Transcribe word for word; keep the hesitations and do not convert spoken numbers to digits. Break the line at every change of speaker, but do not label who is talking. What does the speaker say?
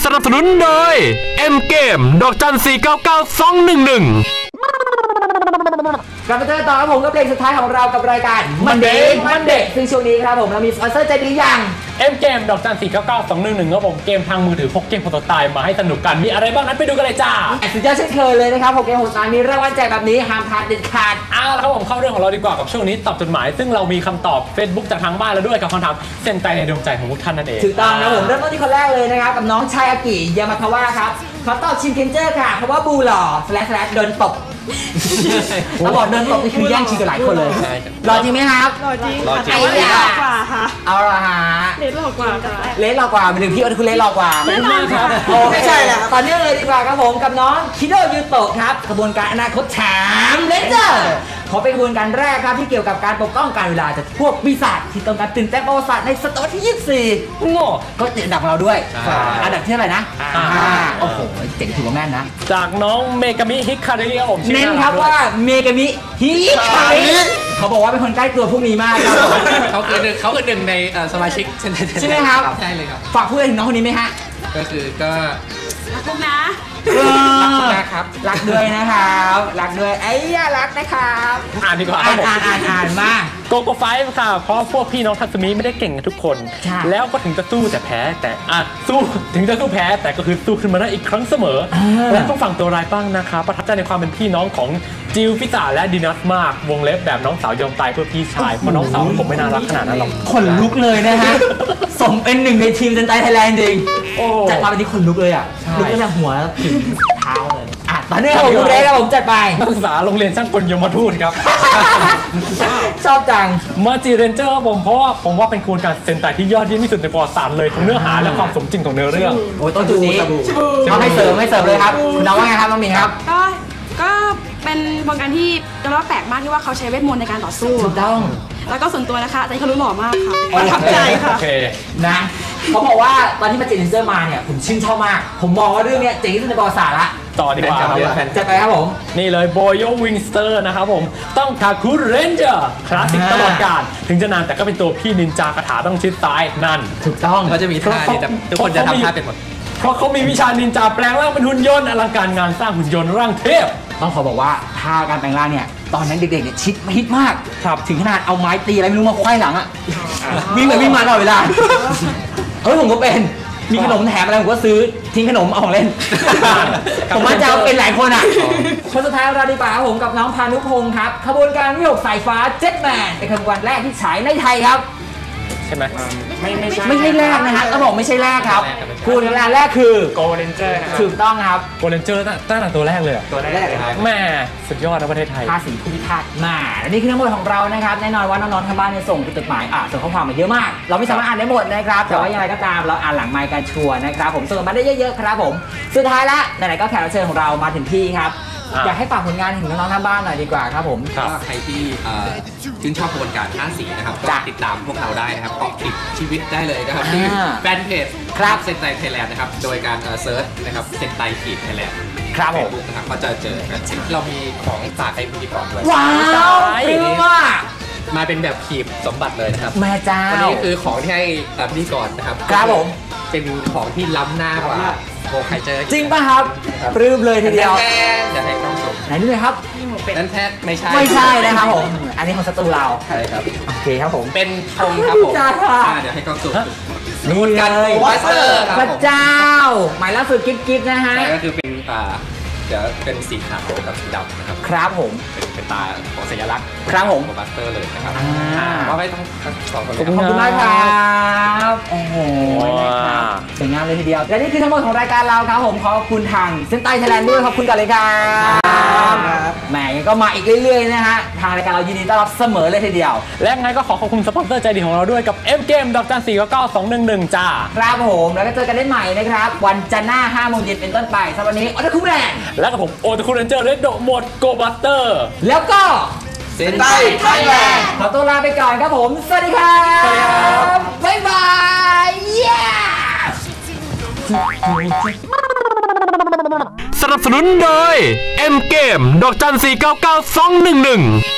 สนับสนุนโดย M เกมดอกจันสี่เก้าเก้าสองหนึ่งหนึ่ง
กลับมาเจอต่อครับผมกับเพลงสุดท้ายของเรากับรายการมันเด็กมันเด็กซึ่งช่วงนี้ครับผมเรามีสปอนเซอร์ใจดีอย่าง
M เกมดอกจันสี่เก้าเก้าสองหนึ่งหนึ่งครับผมเกมทางมือถือพกเกมโปรโตไทป์มาให้สนุกกันมีอะไรบ้างนั้นไปดูกันเลยจ้า
สุดยอดเช่นเคยเลยนะครับผมเกมโหดตามีรางวัลแจกแบบนี้ห้ามพลาดเด็ดขาด
เอาละครับผมเข้าเรื่องของเราดีกว่ากับช่วงนี้ตอบจดหมายซึ่งเรามีคำตอบ Facebook จากทางบ้านแล้วด้วยกับคำถามเส้นใจในดวงใจของทุกท่านนั่นเอง
ถูกต้องนะผมเริ่มต้นที่คนแรกเลยนะครับกับน้องชายอากิยามาคาวะครับเขาตอบชินเคนเจอร์ค่ะเพราะว่าบูหล่อสแลชสแลชโดนตบเขาบอกโดนตบนี่คือแย่งชิงกับหลายคนเลยหล่อจริงไหมครับ
หล่อจริงค่ะ
แต่ว่าเลสหล่อกว่า
ค่ะ
เอาละฮะ
เลสหล่อกว่า
เลสหล่อกว่าเป็นหนึ่งพี่โอ้คุณเลสหล่อกว่า
แน่นอนครับ
โอ้ไม่ใช่แหละตอนนี้เลยดีกว่าครับผมกับน้องคิโดยูโตะครับกระบวนการอนาคตแชมป์เลนเจอร์ขอเป็นกระบวนการแรกครับที่เกี่ยวกับการปกป้องการเวลาจากพวกปีศาจที่ต้องการตื่นเต้นประวัติศาสตร์ในศตวรรษที่ยี่สิบสี่โง่ก็ติดอันดับเราด้วยอันดับที่เท่าไหร่นะโอ้โหเจ๋งถือว่าแม่นนะ
จากน้องเมกามิฮิคาริครับผม
เน้นครับว่าเมกามิฮิคาริเขาบอกว่าเป็นคนใกล้ตัวพวกนี้มากครับ
เขาคือหนึ่งเขาคือหนึ่งในสมาชิก
ใช่ไหมครับ
ใช่เลยครับ
ฝากพูดถึงน้องคนนี้ไหมฮะ
ก็คือก็
รักนะ
รักนะครับรักด้วยนะครับรักด้วยไอ้ยารักนะครับ
อ่านดีกว่า
อ่านอ่านอ่านอ่านมา
โกโก้ไฟฟ์ค่ะเพราะพวกพี่น้องทัศมีไม่ได้เก่งกันทุกคนแล้วก็ถึงจะสู้แต่แพ้แต่อ่ะสู้ถึงจะสู้แพ้แต่ก็คือสู้ขึ้นมาได้อีกครั้งเสมอและต้องฝั่งตัวร้ายบ้างนะคะประทับใจในความเป็นพี่น้องของจิลพิซาและดินัสมากวงเล็บแบบน้องสาวยอมตายเพื่อพี่ชายเพราะน้องสาวผมไม่น่ารักขนาดนั้นหรอก
ขนลุกเลยนะฮะสมเป็นหนึ่งในทีมเซนไตไทยแลนด์จริงจัดมาเป็นที่ขนลุกเลยอ่ะลุกตั้งแต่หัวถึงเท้าเลยอ่ะตอนนี้ผมดูเลยครับผมจัดไป
นักศึกษาโรงเรียนช่างกลยมทูตครับ
ชอบจัง
มาจีเรนเจอร์ผมเพราะว่าผมว่าเป็นกระบวนการเซนไตที่ยอดเยี่ยมที่สุดในประวัติศาสตร์เลยทั้งเนื้อหาและความสมจริงของเนื้อเรื่อง
โอ้ยต้นจุดนี้เอาให้เสริมให้เสริมเลยครับคุณน้องว่าไงครับน้องมินครับ
ก็ก็เป็นกระบวนการที่จะว่าแปลกมากที่ว่าเขาใช้เวทมนต์ในการต่อสู้
ถูกต้อง
แล้วก็ส่วนตัวนะคะใจเขารู้หล่อมากค่ะประทับใจค่ะ
นะเขาบอกว่าตอนที่มาเจนเซอร์มาเนี่ยผมชื่นชอบมากผมมองว่าเรื่องนี้เจ๋งที่สุดในประวัติศาสตร์ละ
ต่อดีกว่า
จะไปครับผม
นี่เลยโบโยวิงสเตอร์นะครับผมต้องคาคุเรนเจอร์คลาสสิกตลอดกาลถึงจะนานแต่ก็เป็นตัวพี่นินจากาถาต้องชิดซ้ายนั่น
ถูกต้อง
เขาจะมีท่าที่ทุกคนจะทำท่าเป็นหมด
เพราะเขามีวิชานินจาแปลงร่างเป็นหุ่นยนต์อลังการงานสร้างหุ่นยนต์ร่างเทพ
ต้องขอบอกว่าท่าการแปลงร่างเนี่ยตอนนั้นเด็กๆเนี่ยชิดฮิตมากถึงขนาดเอาไม้ตีอะไรไม่รู้มาควายหลังอ่ะวิ่งไปวิ่งมาตลอดเวลาเฮ้ยผมก็เป็นมีขนมแถมอะไรผมก็ซื้อทิ้งขนมเอาของเล่นผมว่าจะเป็นหลายคนอ่ะคนสุดท้ายเราดีกว่าผมกับน้องพานุพงศ์ครับขบวนการวิหกสายฟ้าเจ็ตแมนเป็นขบวนแรกที่ฉายในไทยครับ
ใช่ไหม
ไม่ไม่ใช่ไม่ใช่แรกนะฮะต้องบอกไม่ใช่แรกครับคุณแรกแรกคือ
โกลเด้นเจอร์นะครับ
ถูกต้องครับ
โกลเด้นเจอร์ตั้งแต่ตัวแรกเลย
ตัวแรกเลยครับ
แม่สุดยอดนะประเทศไทย
ภาษีผู้พิพากษามาและนี่คือทั้งหมดของเรานะครับแน่นอนว่าน้องๆทางบ้านเนี่ยส่งจดหมายอ่ะส่งข้อความมาเยอะมากเราไม่สามารถอ่านได้หมดนะครับแต่ว่ายังไงก็ตามเราอ่านหลังไมค์กันชัวร์นะครับผมส่งมาได้เยอะๆครับผมสุดท้ายละไหนๆก็แขกรับเชิญของเรามาถึงที่ครับอยากให้ฝากผลงานถึงน้องๆทางบ้านหน่อยดีกว่าครับผม
ก็ใครที่ชื่นชอบกระบวนการห้าสีนะครับก็ติดตามพวกเราได้นะครับเกาะติดชีวิตได้เลยนะครับที่แฟนเพจครับเซนไตไทยแลนด์นะครับโดยการเซิร์ชนะครับเซนไตขีดไทยแลนด์
ครับผม
นะครับก็จะเจอกันเรามีของฝากให้พิธีกรด้วย
ว้าวปลื้มมาก
มาเป็นแบบขีบสมบัติเลยนะครับ
แม่เจ้า
วันนี้คือของที่ให้พิธีกรนะครับ
ครับผม
เป็นของที่ล้ำหน้ากว่าโบใครเจอ
จริงป่ะครับปลื้มเลยทีเดียว
เดี๋ยวให้น้องส่ง
ไหนดูเลยครับ
นั่นแท้ไม่ใช่
ไม่ใช่นะครับผมอันนี้ของศัตรูเรา
ใช่ครับ
โอเคครับผม
เป็นธงครับผมเดี๋ยวให้กล้องส่ง
นี่เลย
บัสเตอร์
พระเจ้าหมายล่าสุดกิ๊บๆนะฮะ
ก็คือเป็นอ่าเดี๋ยวเป็นสีขาวกับสีดำนะครับ
ครับผม
เป็นเป็นตาของสัญลักษณ์
ครับผม
ของบัสเตอร์เลยนะครับว่าไม่ต้องสองคน
ขอบคุณมากครับโอ้โหสวยงามเลยทีเดียวและนี่คือทั้งหมดของรายการเราครับผมขอบคุณทางเซนไตไทยแลนด์ด้วยขอบคุณกันเลยครับแหมก็มาอีกเรื่อยๆนะฮะทางรายการเรายินดีต้อนรับเสมอเลยทีเดียว
และไงก็ขอขอบคุณสปอนเซอร์ใจดีของเราด้วยกับ M เกมดอกจันสี่เก้าเก้าสองหนึ่งหนึ่งจ้า
ครับผมแล้วก็เจอกันได้ใหม่นะครับวันจันทร์หน้าห้าโมงเย็นเป็นต้นไปสำหรับวันนี้โอตาคุแมน
แล้วกับผมโอตาคุเรนเจอร์เรดโดโหมดโกบัสเตอร์
แล้วก็
เซนไตไทยแลนด์
ขอตัวลาไปก่อนครับผมสวัสดีครับบ๊ายบายเย้
สนับสนุนโดย M เกมดอกจันสี่เก้าเก้าสองหนึ่งหนึ่ง